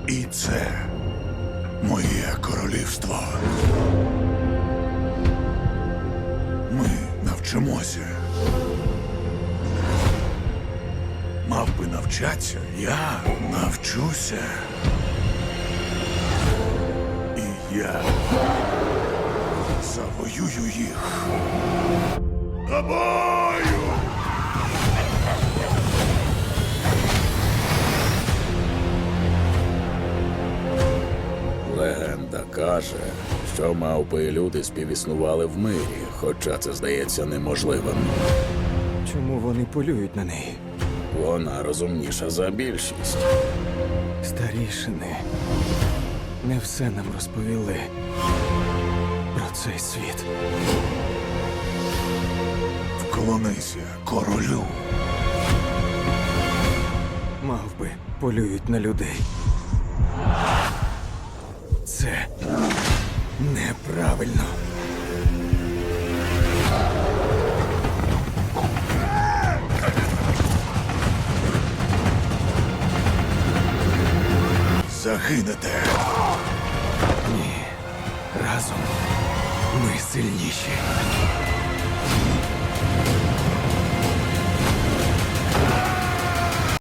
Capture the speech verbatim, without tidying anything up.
І це моє королівство. Ми навчимося. Мавпи навчаться, я навчуся. І я завоюю їх. Тобою! Легенда каже, що мавпи і люди співіснували в мирі, хоча це здається неможливим. Чому вони полюють на неї? Вона розумніша за більшість. Старішини не все нам розповіли про цей світ. Вклонися королю. Мавпи полюють на людей. Це неправильно. Загинете. Ні. Разом ми сильніші.